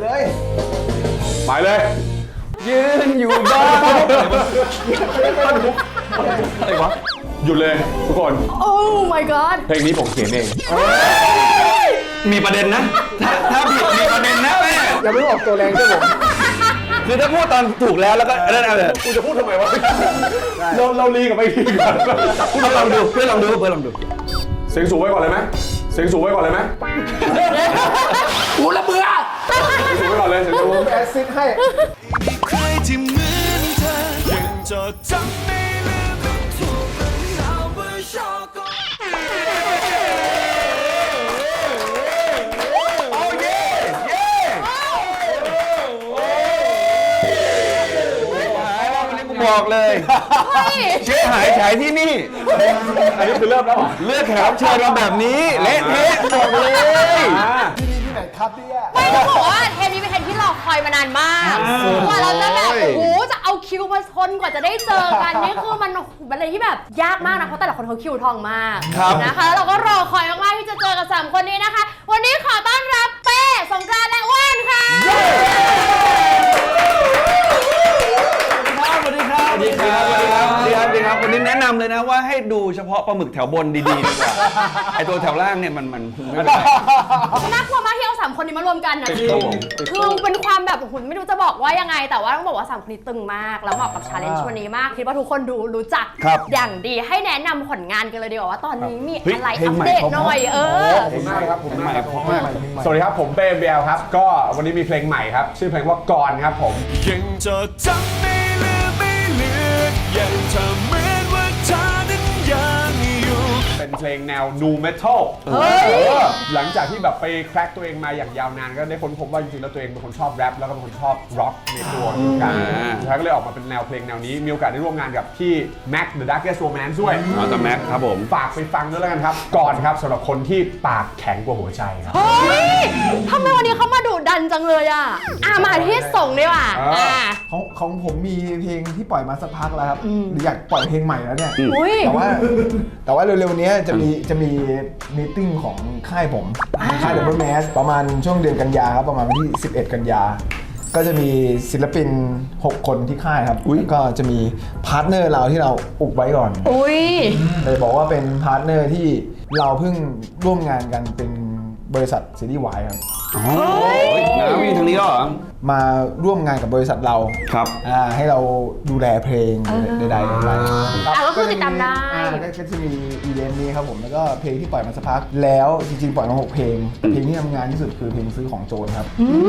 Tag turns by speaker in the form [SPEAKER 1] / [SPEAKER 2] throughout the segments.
[SPEAKER 1] เลยยืนอยู่บ้านอะไรวะหยุดเลยทุกคน
[SPEAKER 2] โอ้ my god
[SPEAKER 1] เพลงนี้ผมเขียนเอง
[SPEAKER 3] มีประเด็นนะถ้าผิดมีประเด็นนะแม่
[SPEAKER 4] อย่าเพิ่งออกตัวแรงใช่ผม
[SPEAKER 3] คือถ้าพูดตอนถูกแล้วก็นั่นเอาเลย
[SPEAKER 1] กูจะพูดทำไมวะเราลีกับไปทีก่อน
[SPEAKER 3] ลองดูเพื่อนลองดู
[SPEAKER 1] เสียงสูงไว้ก่อนเลยไหมเสียงสูงไว้ก่อนเลยไหม
[SPEAKER 3] กูละเบื่อ
[SPEAKER 1] เสียงสูงไว้ก่อนเลยเสียงสูง
[SPEAKER 4] แอซิดให้
[SPEAKER 5] ใครที่เหมือนเธอยังจดจำไม่ลืมมันถูกมันเอาไว้ชอบก็
[SPEAKER 3] บอกเลยเชื่อหายฉายที่นี่
[SPEAKER 1] อันนี้คือเริ่มแล้วเหรอ
[SPEAKER 3] เลือกแขกรับเชิญมาแบบนี้เละเทะบอกเลย
[SPEAKER 4] ที่ไหนครับเนี่ย
[SPEAKER 2] ไม่ต้องบอกว่าเทปนี้เป็นเทปที่รอคอยมานานมากกว่าเราจะแบบโอ้โหจะเอาคิวมาชนกว่าจะได้เจอกันนี่คือมันเป็นอะไรที่แบบยากมากนะเพราะแต่ละคนเขาคิวทองมากนะคะแล้วเราก็รอคอยมากๆที่จะเจอกับ3คนนี้นะคะ วันนี้ขอต้อนรับเป้สงกรานต์และอ้วนค่ะ
[SPEAKER 3] สวัสดีครับวันนี้แนะนำเลยนะว่าให้ดูเฉพาะปลาหมึกแถวบนดีๆดีกว่าไอตัวแถวล่างเนี่ยมันไม่เป็นไร
[SPEAKER 2] น่ากลัวมากที่เอา3คนนี้มารวมกันนะคือเป็นความแบบหุ่นไม่รู้จะบอกว่ายังไงแต่ว่าต้องบอกว่า3คนนี้ตึงมากแล้วเหมาะกับชาเลนจ์วันนี้มากคิดว่าทุกคนรู้จักอย่างดีให้แนะนำผลงานกันเลยดีกว่าว่าตอนนี้มีอะไรอัปเดตหน่อย
[SPEAKER 4] ขอบคุณมากครับผมมาก
[SPEAKER 1] สวัสดีครับผมเป้เบลครับก็วันนี้มีเพลงใหม่ครับชื่อเพลงว่ากรครับผม
[SPEAKER 5] ยังจดจำไม่ลืมไม่เลือนยังทำเหมือนว่าเธอนั้นยังอยู่
[SPEAKER 1] เป็นเพลงแนว nu metal หลังจากที่แบบไปแคร็กตัวเองมาอย่างยาวนานก็ได้ค้นพบว่าจริงๆแล้วตัวเองเป็นคนชอบแรปแล้วก็เป็นคนชอบร็อกในตัวเหมือนกันสุดท้ายก็เลยออกมาเป็นแนวเพลงแนวนี้มีโอกาสได้ร่วมงานกับพี่ Mac The Darkest Romance ด้วย
[SPEAKER 3] แต่แม็กครับผม
[SPEAKER 1] ฝากไปฟังด้วยแล้วกันครับก่อนครับสำหรับคนที่ปากแข็งกว่าหัวใจครับ
[SPEAKER 2] เฮ้ยทำไมวันนี้เขามาดุดันจังเลยอ่ะมาที่ส่งดีกว่า
[SPEAKER 4] ของผมมีเพลงที่ปล่อยมาสักพักแล้วครับหรืออยากปล่อยเพลงใหม่แล้วเนี่ย แต่ว่าเร็วๆนี้จะมีมีติ้งของค่ายผมค่าย Double Mass ประมาณช่วงเดือนกันยาครับประมาณวันที่11 กันยาก็จะมีศิลปิน6 คนที่ค่ายครับก็จะมีพาร์ทเนอร์เราที่เราอุบไว้ก่อนเลยบอกว่าเป็นพาร์ทเนอร์ที่เราเพิ่งร่วมงานกันเป็นบริษัทซีรีส์วายครับ
[SPEAKER 3] น้ำมีทางนี้เหรอ
[SPEAKER 4] มาร่วมงานกับบริษัทเรา
[SPEAKER 3] ครับ
[SPEAKER 4] ให้เราดูแลเพลงใดๆ
[SPEAKER 2] ก็คือติดตามได้
[SPEAKER 4] ก็จะมีอีเวนต์นี้ครับผมแล้วก็เพลงที่ปล่อยมาสักพักแล้วจริงๆปล่อยมา6 เพลงแต่เพลงที่ทำงานที่สุดคือเพลงซื้อของโจรครับ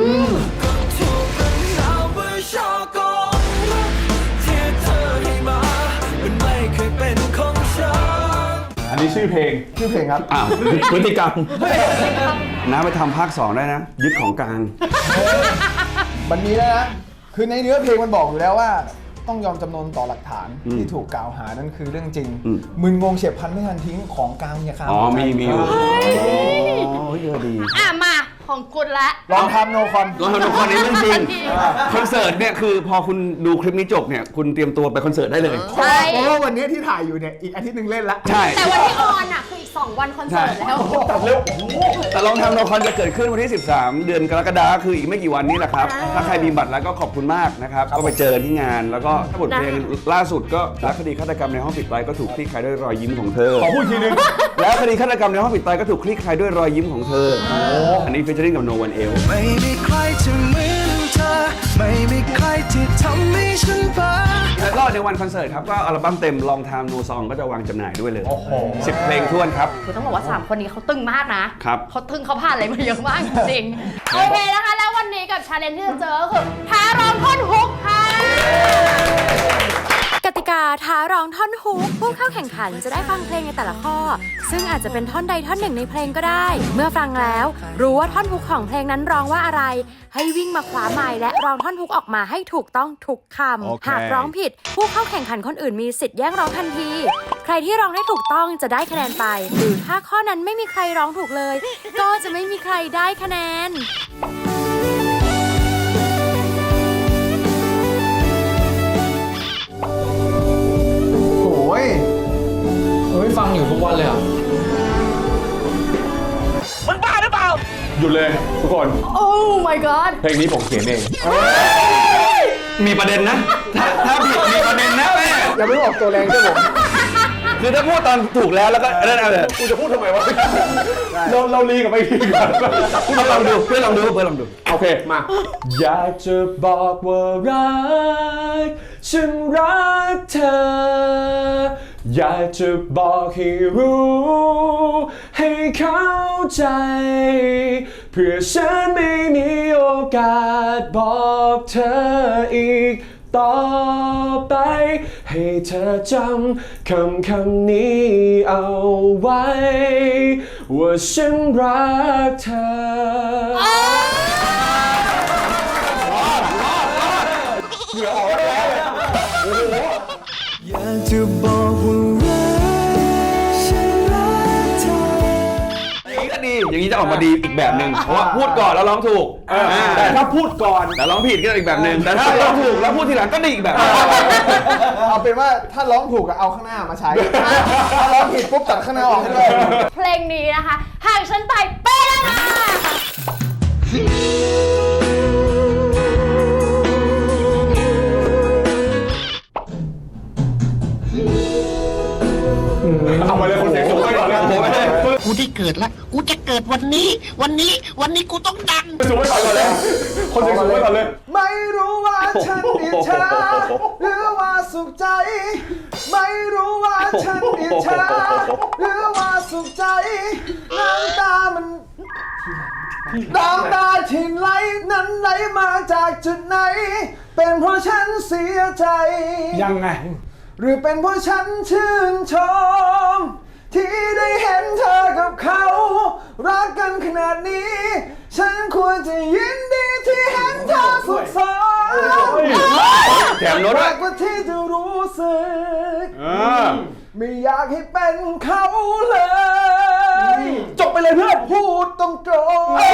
[SPEAKER 1] อันนี้ชื่อเพลง
[SPEAKER 4] ครับ
[SPEAKER 3] พฤติกรรมน้าไปทำภาค 2ได้นะยึดของกลาง
[SPEAKER 4] มันมีแล้วนะคือในเนื้อเพลงมันบอกอยู่แล้วว่าต้องยอมจำนนต่อหลักฐานที่ถูกกล่าวหานั่นคือเรื่องจริงมึนงงเฉียบพลันไม่ทันทิ้งของกลางอย่าค้าง
[SPEAKER 3] มีเยอะดี
[SPEAKER 2] มาของคุณละ
[SPEAKER 4] ลองทำโนคอน
[SPEAKER 3] นี้เรื่องจริงคอนเสิร์ตเนี่ยคือพอคุณดูคลิปนี้จบเนี่ยคุณเตรียมตัวไปคอนเสิร์ตได้เลย
[SPEAKER 4] ใช่เพราะว่าวันนี้ที่ถ่ายอยู่เนี่ยอีกอาทิตย์นึงเล่นละ
[SPEAKER 3] ใช่
[SPEAKER 2] แต่วันที่ออนอ่ะคืออีก2 วันคอนเสิร์ตแล้ว
[SPEAKER 3] แต่ลองทำโนคอนจะเกิดขึ้นวันที่13 เดือนกรกฎาคมคืออีกไม่กี่วันนี้แหละครับถ้าใครมีบัตรแล้วก็ขอบคุณมากนะครับก็ไปเจอที่งานแล้วก็บทเพลงล่าสุดก็แล้วคดีฆาตกรรมในห้องปิดตายก็ถูกคลี่คลายด้วยรอยยิ้มของเธอ
[SPEAKER 1] ขอพูดทีนึง
[SPEAKER 3] แล้วคดีฆาตกรรมในห้องปิดตายก็ถูกคลี่คลายด้วยรอยยิ้มของเธออันนี้ฟีเจอริ่งกับ No One Else
[SPEAKER 5] ไม่มีใครที่เหมือนเธอไม่มีใครที่ทำให้ฉันบ้า
[SPEAKER 3] แล้วก็ในวันคอนเสิร์ตครับก็อัลบั้มเต็ม Long Time No Song ก็จะวางจำหน่ายด้วยเลย10 เพลงท้วนครับ
[SPEAKER 2] คือต้องบอกว่า3 คนนี้เขาตึงมากนะครับเขาตึงเขาผ่านอะไรมาเยอะมากจริงโอเคนะคะแล้ววันนี้กับชาเลนจ์ที่จะเจอก็คือท้าร้องท่อนฮุกค่ะ
[SPEAKER 6] กติกาท้าร้องท่อนฮุกผู้เข้าแข่งขันจะได้ฟังเพลงในแต่ละข้อซึ่งอาจจะเป็นท่อนใดท่อนหนึ่งในเพลงก็ได้เมื่อฟังแล้วรู้ว่าท่อนฮุกของเพลงนั้นร้องว่าอะไรให้วิ่งมาคว้าไมค์และร้องท่อนฮุกออกมาให้ถูกต้องทุกคำหากร้องผิดผู้เข้าแข่งขันคนอื่นมีสิทธิ์แย่งร้องทันทีใครที่ร้องได้ถูกต้องจะได้คะแนนไปหรือถ้าข้อนั้นไม่มีใครร้องถูกเลยก็จะไม่มีใครได้คะแนน
[SPEAKER 7] ฟังอยู่ทุกวันเลยอ่ะ
[SPEAKER 5] มึงบ้าหรือเปล่า
[SPEAKER 1] หยุดเลยทุกคน
[SPEAKER 2] โอ้ my god
[SPEAKER 1] เพลงนี้ผมเขียนเอง
[SPEAKER 3] มีประเด็นนะ ถ้าผิดมีประเด็นนะแม่
[SPEAKER 4] อย่าเพิ่งออกตัวแรงใช่ผม
[SPEAKER 3] คือถ้าพูดตอนถูกแล้วก็นั่นเอาเลย
[SPEAKER 1] กูจะพูดทำไมวะ เราลีกับไปทีก่อน
[SPEAKER 3] เพื่อนลองดูเพื่อนลองดู
[SPEAKER 1] โอเคมาอยากจะบอกว่ารักฉันรักเธออยากจะบอกให้รู้ให้เข้าใจเพื่อฉันไม่มีโอกาสบอกเธออีกต่อไปให้เธอจำคำนี้เอาไว้ว่าฉันรักเธอ
[SPEAKER 5] อยากจะบอกว่ารักฉันรักเธอ
[SPEAKER 3] อย่างนี้ก็ดี อย่างนี้จะออกมาดีอีกแบบหนึ่งเพราะว่าพูดก่อนแล้วร้องถูก
[SPEAKER 1] แต่ถ้าพูดก่อน
[SPEAKER 3] แต่ร้องผิดก็อีกแบบหนึ่งแต่ถ้าร้องถูกแล้วพูดทีหลังก็ดีอีกแบบ
[SPEAKER 4] เอาเป็นว่าถ้าร้องถูกก็เอาข้างหน้ามาใช้ ถ้าร้องผิดปุ๊บตัดข้างหน้าออกให้ด้วย
[SPEAKER 2] เพลงนี้นะคะหากฉันตายเป๊ะเลยค่ะ
[SPEAKER 1] เอามาเลยคนเสียงสูงไปก่อนเลย
[SPEAKER 8] กูได้เกิดแล้ว กูจะเกิดวันนี้ วันนี้กูต้องดัง
[SPEAKER 1] สูงไปก่อนเลย คนเสียงสูงไปก่อนเลย
[SPEAKER 4] ไม่รู้ว่าฉันอิจฉาหรือว่าสุขใจ ไม่รู้ว่าฉันอิจฉาหรือว่าสุขใจ น้ำตามันน้ำตาที่ไหลนั้นไหลมาจากจุดไหน เป็นเพราะฉันเสียใจ
[SPEAKER 7] ยังไง
[SPEAKER 4] หรือเป็นเพราะฉันชื่นชม ที่ได้เห็นเธอกับเขารักกันขนาดนี้ ฉันควรจะยินดีที่เห็นเธอสุขสันต์
[SPEAKER 3] แถมรถ
[SPEAKER 4] รักกว่าที่จะรู้สึกไม่อยากให้เป็นเขาเลย จบไปเลยเพื่อนพูดตรงๆ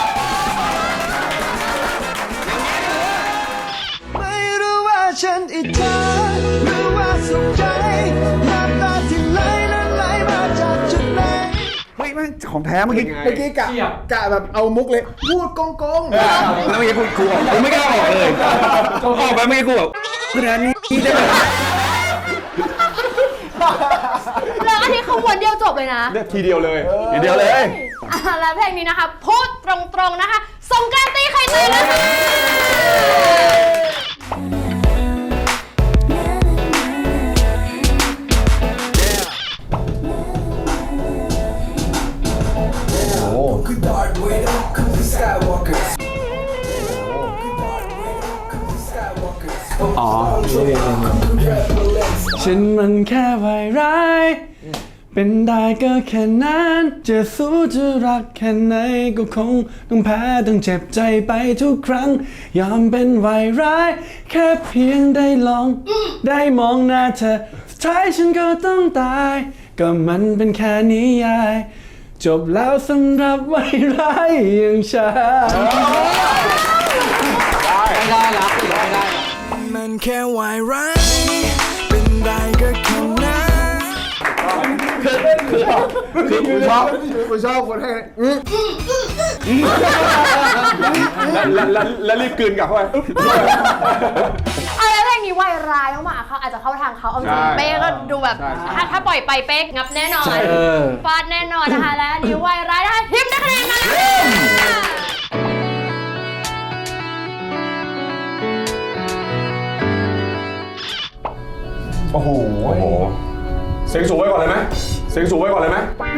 [SPEAKER 5] ไม่รู้ว่าฉันอิจฉาหรือว่าสุขใจน้ำตาที่ไหลนั้นไหลมาจากจุดไหน
[SPEAKER 3] เฮ้ยมันของแท้เมื่อกี้
[SPEAKER 4] เมื่อกี้กะแบบเอามุกเลย พูดกงๆ
[SPEAKER 3] แล้วเมื่อกี้กูออกกูไม่กล้าออกเลยออกไปเมื่อกี้กูแบบขนาดนี้ได้ไหม
[SPEAKER 2] แล้วอันนี้ขบวนเดียวจบเลยนะ
[SPEAKER 1] เนี่ยทีเดียวเลย
[SPEAKER 3] ทีเดียวเลย
[SPEAKER 2] แล้วเพลงนี้นะคะพูดตรงๆนะคะสงกรานต์ตีไข่แตกนะคะ
[SPEAKER 3] อ๋อ
[SPEAKER 7] ฉันมันแค่วายร้าย เป็นได้ก็แค่นั้นจะสู้จะรักแค่ไหนก็คงต้องแพ้ต้องเจ็บใจไปทุกครั้ง ยอมเป็นวายร้าย แค่เพียงได้ลอง ได้มองหน้าเธอสุดท้ายฉันก็ต้องตาย ก็มันเป็นแค่นิยาย จบแล้วสำหรับวายร้ายอย่างฉัน
[SPEAKER 5] มันแค่วายร้ายเป็นได้ก็แค่นั้น
[SPEAKER 3] คือกูชอบ
[SPEAKER 4] กูชอบคนให้
[SPEAKER 1] แล้วรีบกลืนกลับเข้าไป
[SPEAKER 2] เอาแล้วเพลงนี้วายร้ายมากๆเขาอาจจะเข้าทางเขาเอาจริง
[SPEAKER 1] ใช่
[SPEAKER 2] เป๊กก็ดูแบบ
[SPEAKER 1] ใช่
[SPEAKER 2] ถ้าปล่อยไปเป๊กงับแน่นอนฟาดแน่นอนนะคะและอันนี้วายร้ายนะคะทิมได้คะแนนมา
[SPEAKER 1] โอ้โห เสียงสูงไว้ก่อนเลยไหมเสียงสูงไว้ก่อนเลยไหม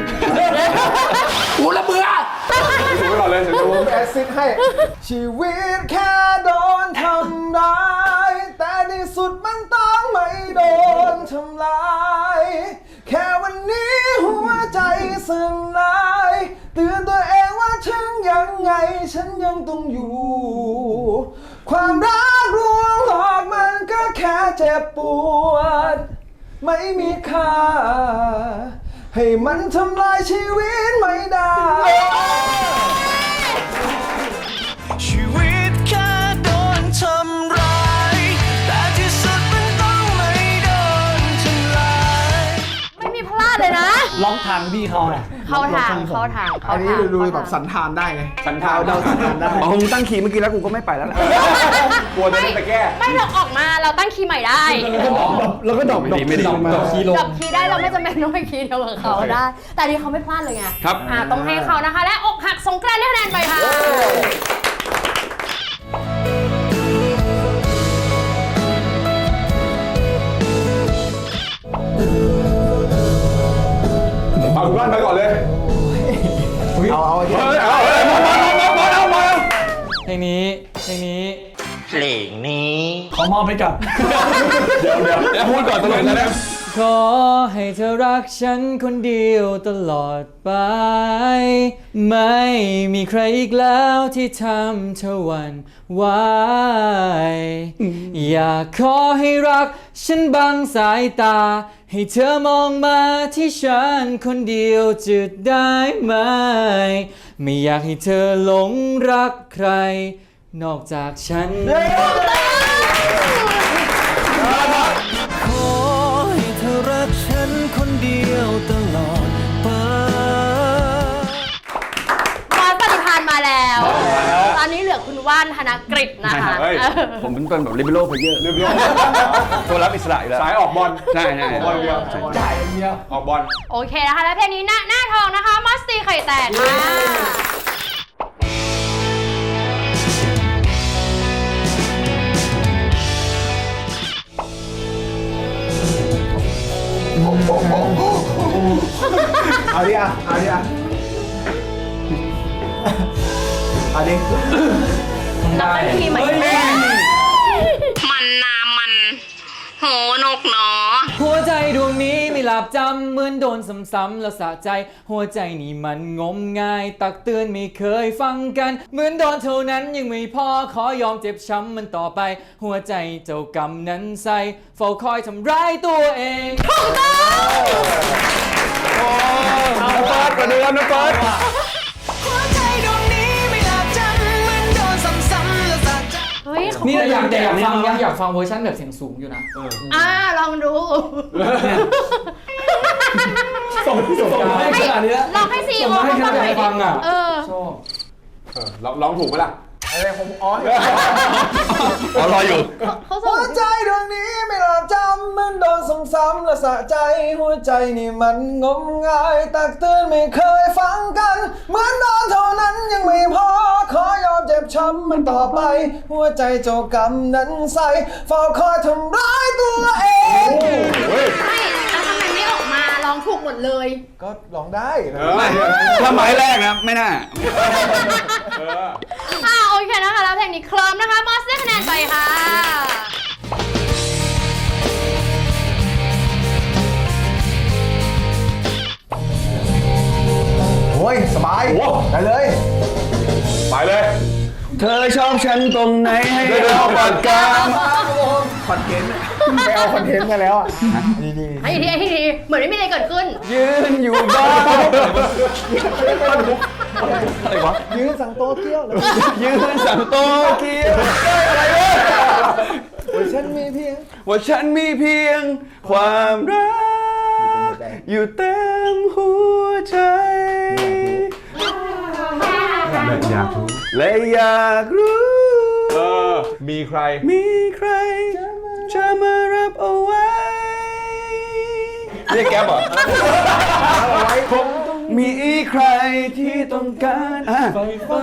[SPEAKER 8] กูละเบื่อ
[SPEAKER 1] เสียงสูงไว้ก่อนเลยเสียงสูง
[SPEAKER 4] แอซิดให้ ชีวิตแค่โดนทำร้าย แต่ในสุดมันต้องไม่โดนทำลาย แค่วันนี้หัวใจสลายเตือนตัวเองว่าถึงยังไงฉันยังต้องอยู่ ความรักลวงหลอกมันก็แค่เจ็บปวด ไม่มีค่า ให้มันทำลายชีวิตไม่ได้
[SPEAKER 5] ชีวิตแค่โดนทำร้ายแต่ที่สุดมันต้องไม่โดนทำลาย
[SPEAKER 2] ไม่มีพลาดเลยนะ
[SPEAKER 7] ล็อกทางพี่เขาน่ะ
[SPEAKER 2] เข้าทาง
[SPEAKER 4] อันนี้ดูแบบสันทานได้ไง
[SPEAKER 1] สันทาน
[SPEAKER 4] เดาสันทานได้
[SPEAKER 3] อ๋อมึงตั้งคีย์เมื่อกี้แล้วกูก็ไม่ไปแล้วแหละ
[SPEAKER 1] กลัวจะได้ไปแก้
[SPEAKER 2] ไม่เราออกมาเราตั้งคีย์ใหม่ได้
[SPEAKER 7] แล้วก็ดอก
[SPEAKER 3] ไม่ดี
[SPEAKER 7] ดอกคีย์ลง
[SPEAKER 2] กับคีย์ได้เราไม่จำเป็นต้องไปคีย์เดียวกับเขาได้ แต่อันนี้เขาไม่พลาดเลยไง
[SPEAKER 3] ครับ
[SPEAKER 2] ต้องให้เขานะคะ และอกหักสงกรานต์ได้คะแนนไปค่ะ
[SPEAKER 1] เอาบ้านไปก่อนเลย
[SPEAKER 4] เอา
[SPEAKER 1] เฮ้ยเอาเลยมา
[SPEAKER 7] เพลงนี้
[SPEAKER 8] เพลงนี้
[SPEAKER 7] ขอมอบให้กับ
[SPEAKER 1] เดี๋ยวพูดก่อนตลอดนะ
[SPEAKER 7] ขอให้เธอรักฉันคนเดียวตลอดไป ไม่มีใครอีกแล้วที่ทำเธอหวั่นไหวอยากขอให้รักฉันบังสายตา ให้เธอมองมาที่ฉันคนเดียวจะได้ไหม ไม่อยากให้เธอหลงรักใคร นอกจากฉัน
[SPEAKER 5] ขอให้เธอรักฉันคนเดียวตลอดไป
[SPEAKER 2] บอสปฏิภาณมาแล้ว ตอนนี้เหลือคุณว่านธนกฤษนะคะ
[SPEAKER 1] เฮ้ย
[SPEAKER 3] ผมเป็นคนแบบลิเบโร่เพลเยอร์
[SPEAKER 1] เรียบร้อย
[SPEAKER 3] ตัวรับอิสระอยู่แล้ว
[SPEAKER 1] สายออกบอล
[SPEAKER 3] ใช่
[SPEAKER 1] ออกบอลเดียว
[SPEAKER 4] จ่ายอย่างเดียว
[SPEAKER 1] ออกบอล
[SPEAKER 2] โอเคนะคะ และเพลงนี้หน้าทองนะคะ มัสตีไข่แตกค่ะ
[SPEAKER 4] เอาดิอ่ะเอาดิอ่ะเอาดิ
[SPEAKER 2] เราตั้งคีย์ใหม่ได้
[SPEAKER 9] มันนามันโหนกหนอ
[SPEAKER 7] หัวใจดวงนี้ไม่หลับจำเหมือนโดนซ้ำๆแล้วสะใจ หัวใจนี่มันงมงาย ตักเตือนไม่เคยฟังกัน เหมือนโดนเท่านั้นยังไม่พอขอยอมเจ็บช้ำมันต่อไป หัวใจเจ้ากรรมนั้นใส่เฝ้าคอยทำร้ายตัวเอง
[SPEAKER 3] น้องเฟิร์สกว่าเดิมนะเฟิร์ส
[SPEAKER 5] หัวใจดวงนี้ไม่หลับจำเหมือนโดนซ้ำๆและสะใจ
[SPEAKER 2] เฮ้ยเขา
[SPEAKER 7] นี่อยากฟังอยากฟังเวอร์ชันแบบเสียงสูงอยู่นะ
[SPEAKER 2] ลองดู
[SPEAKER 7] ส่งให้ขนาดนี้แล้ว
[SPEAKER 2] ลองให้ซีโอ
[SPEAKER 7] ส่งให้
[SPEAKER 2] เขา
[SPEAKER 7] ขนาด
[SPEAKER 2] ฟังหน่อย
[SPEAKER 7] ฟังอ่ะ
[SPEAKER 2] เออ
[SPEAKER 7] ชอบ
[SPEAKER 1] ร้องถูกไหมล่ะ
[SPEAKER 4] อะไรผมอ๋อ
[SPEAKER 3] รออยู่
[SPEAKER 2] เขาส่
[SPEAKER 4] หั
[SPEAKER 2] ง
[SPEAKER 4] วใจดวงนี้ไม่หลับจำเหมือนโดนซ้ำๆและสะใจ หัวใจนี่มันงมงายตักเตือนไม่เคยฟังกัน เหมือนโดนเท่านั้นยังไม่พอขอยอมเจ็บช้ำมันต่อไป หัวใจเจ้ากรรมนั้นใส่เฝ้าคอยทำร้ายตัวเอง
[SPEAKER 2] ไม่แล้วทำไมไม่ออกมาร้องถูกหมดเลย
[SPEAKER 4] ก็ร้องได้นะ
[SPEAKER 3] ไม่ถ้าไม้แรกนะไม่น่า
[SPEAKER 2] โอเคนะคะ แล้วเพลงนี้เคลิ้มนะคะ มอสได้คะแนนไปค่ะ
[SPEAKER 4] โอ้ยสบาย
[SPEAKER 1] โอ้
[SPEAKER 4] ไปเลย
[SPEAKER 1] ไปเลย
[SPEAKER 3] เธอชอบฉันตรงไหนให้
[SPEAKER 1] เดี๋ยว
[SPEAKER 3] เราปากกา
[SPEAKER 4] คอนเทนต์ไปเอาคอนเทนต์มาแล้วอ่ะดี
[SPEAKER 2] ให้ทีเหมือนไม่มีอะไรเกิดขึ้น
[SPEAKER 3] ยืนอยู่บ้านอะไรวะ
[SPEAKER 4] ๆยืนสั่งโตเกียวแล้ว
[SPEAKER 3] ยืนสั่งโตเกียวอะไรวะ
[SPEAKER 4] ฉันมีเพียง
[SPEAKER 3] ว่าฉันมีเพียงความรักอยู่เต็มหัวใจ
[SPEAKER 1] อยากรู้
[SPEAKER 3] และอยากรู้
[SPEAKER 1] มีใคร
[SPEAKER 3] มีใครจะมารับเอาไว้เรียกแก๊ปเหรอมีใครที่ต้องการไฟฟ้า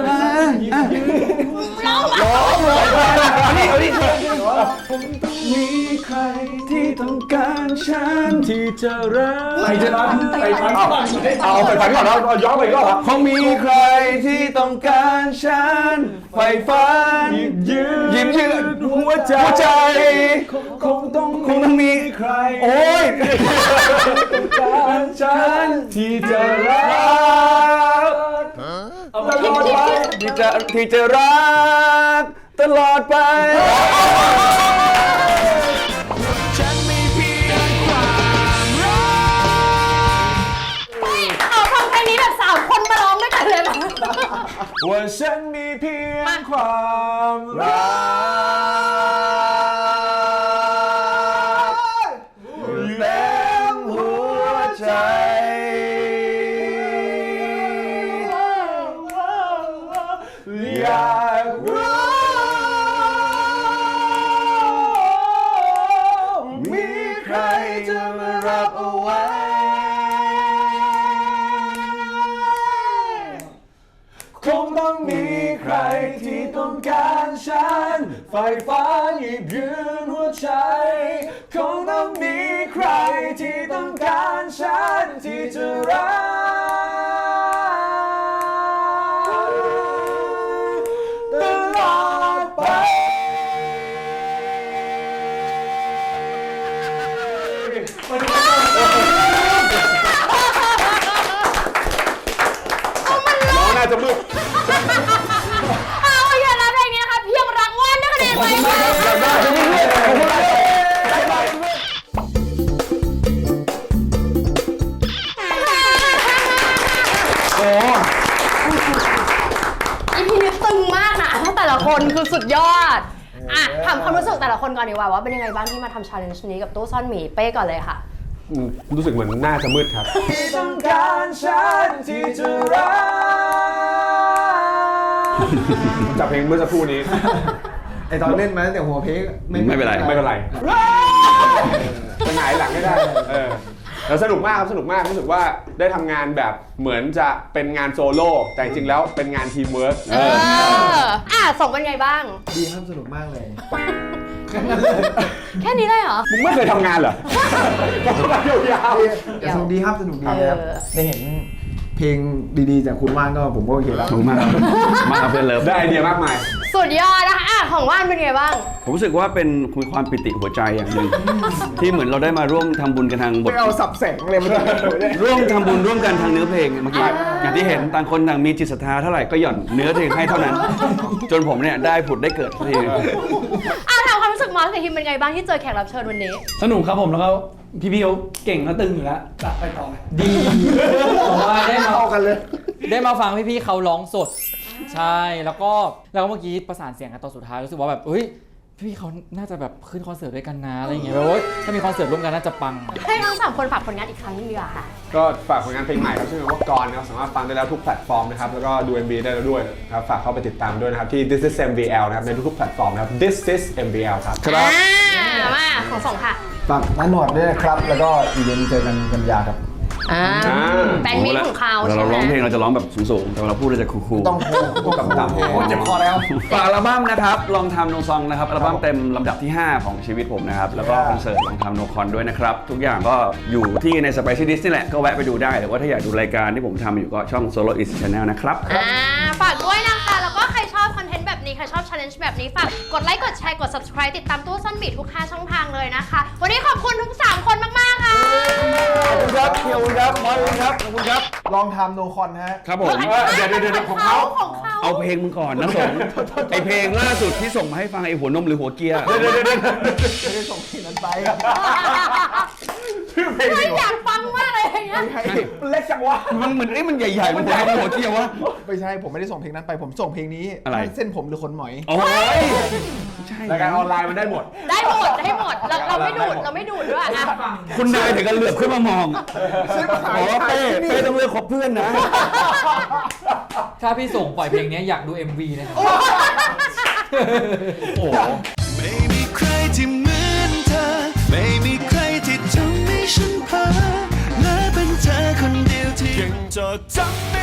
[SPEAKER 3] ร้องเอาดิมีใครที่ต้องการฉันที่จะรัก
[SPEAKER 1] ใครจะรักไปฝันก่อนเอาไปฝันก่อนเอาย้อนไปอีก็เหรอ
[SPEAKER 3] คงมีใครที่ต้องการฉันไฟฝันยิ้มยืดหัวใจคงต้องมีใครโอ้ยต้องการฉันที่จะรักตลอดไปที่จะรักตลอดไป
[SPEAKER 5] ฉันมีเพียงความรัก
[SPEAKER 2] เอาทำเพลงนี้แบบ3 คนมาร้องด้วยกันเลยมั้ย
[SPEAKER 1] ว่าฉันมีเพียงความรัก
[SPEAKER 3] เต็มหัวใจ
[SPEAKER 7] การฉันไฟฟ้าหยิบยืนหัวใจคงต้องมีใครที่ต้องการฉันที่จะรักตลอดไป
[SPEAKER 1] น้องน่าจะมืด
[SPEAKER 2] เอาอย่างนั้นเพลงนี้นะคะเพียงรักว่านได้คะแนนไปค่ะอีพีนี้ตึงมากนะแต่ละคนคือสุดยอดอ่ะถามความรู้สึกแต่ละคนก่อนดีกว่าว่าเป็นยังไงบ้างที่มาทำ challenge นี้กับตู้ซ่อนหมีเป้ก่อนเลยค่ะ
[SPEAKER 1] รู้สึกเหมือนน่าจะมืดครับ
[SPEAKER 7] ต้องการฉันที่จะรัก
[SPEAKER 1] จากเพลงเมื่อสักครู่นี้
[SPEAKER 4] ไอตอนเล่นมาตั้งแต่หัวเพลง
[SPEAKER 3] ไม่เป็นไร
[SPEAKER 1] ไม่เป็นไรจะหงายหลังไม่ได้แล้วสนุกมากครับสนุกมากรู้สึกว่าได้ทำงานแบบเหมือนจะเป็นงานโซโล่แต่จริงๆแล้วเป็นงานทีมเวิร์ก
[SPEAKER 2] ส่งเป็นไงบ้าง
[SPEAKER 4] ดีครับสนุกมากเลย
[SPEAKER 2] แค่นี้เลยเหรอ
[SPEAKER 1] มึงไม่เคยทำงานเหรอต้องมายาว
[SPEAKER 4] แต่สนุกดีครับสนุกดีครับ ได้เห็นเพลงดีๆจากคุณว่านก็ผมก็โอเคแล้ว
[SPEAKER 3] ขอบคุณมากครับมากครับเพื่อนเลิฟ
[SPEAKER 1] ได้ไอเดียมากมาย
[SPEAKER 2] สุดยอดนะคะของว่านเป็นไงบ้าง
[SPEAKER 3] ผมรู้สึกว่าเป็นความปิติหัวใจอย่างหนึ่ง ที่เหมือนเราได้มาร่วมทำบุญกันทางบท
[SPEAKER 4] ไม่เอาสับแสงเลยมันจะ
[SPEAKER 3] ร่วมทำบุญร่วมกันทางเนื้อเพลงเมื่อกี้อย่างที่เห็นต่างคนต่างมีจิตศรัทธาเท่าไหร่ก็หย่อนเนื้อเพลงให้เท่านั้น จนผมเนี่ยได้ผุดได้เกิดสักที
[SPEAKER 2] ถามความรู้สึกมอสกับทีมเป็นไงบ้างที่เจอแขกรับเชิญวันนี้
[SPEAKER 7] สนุกครับผมแล้วก็พี่ๆเขาเก่งและตึงอยู่แล้วจะไปต่อดีผมว่าได้มา
[SPEAKER 4] เข้ากันเลย
[SPEAKER 10] ได้มาฟังพี่ๆเขาร้องสด ใช่แล้วก็เมื่อกี้ประสานเสียงกันตอนสุดท้ายรู้สึกว่าแบบเฮ้ยพี่ๆเขาน่าจะแบบขึ้นคอนเสิร์ตด้วยกันนะอะไรอย่างเงี้ยแบบว่าถ้ามีคอนเสิร์ตร่วมกันน่าจะปัง
[SPEAKER 2] ให้ทั้ง3คนฝากผลงานอีกครั้งนึงดีกว่าค่ะ
[SPEAKER 1] ก็ฝากผลงานเพลงใหม่ครับชื่อว่ากรนะครับสามารถฟังได้แล้วทุกแพลตฟอร์มนะครับแล้วก็ดู MV ได้แล้วด้วยนะครับฝากเข้าไปติดตามด้วยนะครับที่ This is MVL นะครับในทุกๆแพลตฟอร์มนะครับ This is MVL ครับ
[SPEAKER 2] มาของส่งค่ะ
[SPEAKER 4] ฝากน้าหนวดด้วยนะครับ แล้วก็อีเวนต์เจอกันกันยาครับ
[SPEAKER 2] แฟนมิตของเขา
[SPEAKER 3] เราร้องเพลงเราจะร้องแบบสูงๆแต่เราพูดเราจะคูลๆ
[SPEAKER 4] ต้องพูดต่ำๆโอ้เจ็บคอแล้ว
[SPEAKER 3] ฝากอัลบั้มนะครับลองทำโนซองนะครับอัลบั้มเต็มลำดับที่ 5 ของชีวิตผมนะครับแล้วก็คอนเสิร์ตลองทำโนคอนด้วยนะครับทุกอย่างก็อยู่ที่ใน Spicy Dish นี่แหละก็แวะไปดูได้หรือว่าถ้าอยากดูรายการที่ผมทำอยู่ก็ช่อง Solo Is Channel นะครับ
[SPEAKER 2] ฝากด้วยนะคะแล้วก็ใครชอบคอนเทนต์แบบนี้ใครชอบ challenge แบบนี้ฝากกดไลค์กดแชร์กด subscribe ติดตามตู้ซ่อนหมีทุก5ช่องทางเลยนะคะวันนี้ขอบคุณทุก3คนมากๆค่ะ
[SPEAKER 4] ขอบคุณครับเคียวครับมอสครับขอบคุณครับ ลองทำโนคอนฮะ
[SPEAKER 3] ครับผม
[SPEAKER 1] เดี๋ยวของเขา
[SPEAKER 3] เอาเพลงมึงก่อนนะสงไอเพลงล่าสุดที่ส่งมาให้ฟังไอหัวนมหรือหัวเกียร์
[SPEAKER 4] ไม่ได้ส่งเพลงนั้นไป
[SPEAKER 1] ชื่อเพลง
[SPEAKER 2] ไม่อยากฟังมากเลยอย่างเงี้ย
[SPEAKER 1] มันเล็กจังวะ
[SPEAKER 3] มันเหมือนมันใหญ่ๆมันหัวนมหัวเกียร์วะ
[SPEAKER 4] ไม่ใช่ผมไม่ได้ส่งเพลงนั้นไปผมส่งเพลงนี้
[SPEAKER 3] อะไร
[SPEAKER 4] เส้นผมหรือขนหมอย
[SPEAKER 3] โอ้ย
[SPEAKER 1] รายการออนไลน์มันได้หมด
[SPEAKER 2] ได้หมดเราไม่ดูดด้วยนะ
[SPEAKER 3] คุณนายถึงกันเหลือบขึ้นมามองบอกว่าเป้ต้องเลือกคบเพื่อนนะ
[SPEAKER 10] ถ้าพี่ส่งปล่อยเพลงนี้อยากดู MV นะครับ
[SPEAKER 3] โอ้
[SPEAKER 5] ไม่มีใครที่เหมือนเธอ ไม่มีใครที่ทำให้ฉันเพ้อและเป็นเธอคนเดียวที่ยังจดจำไม่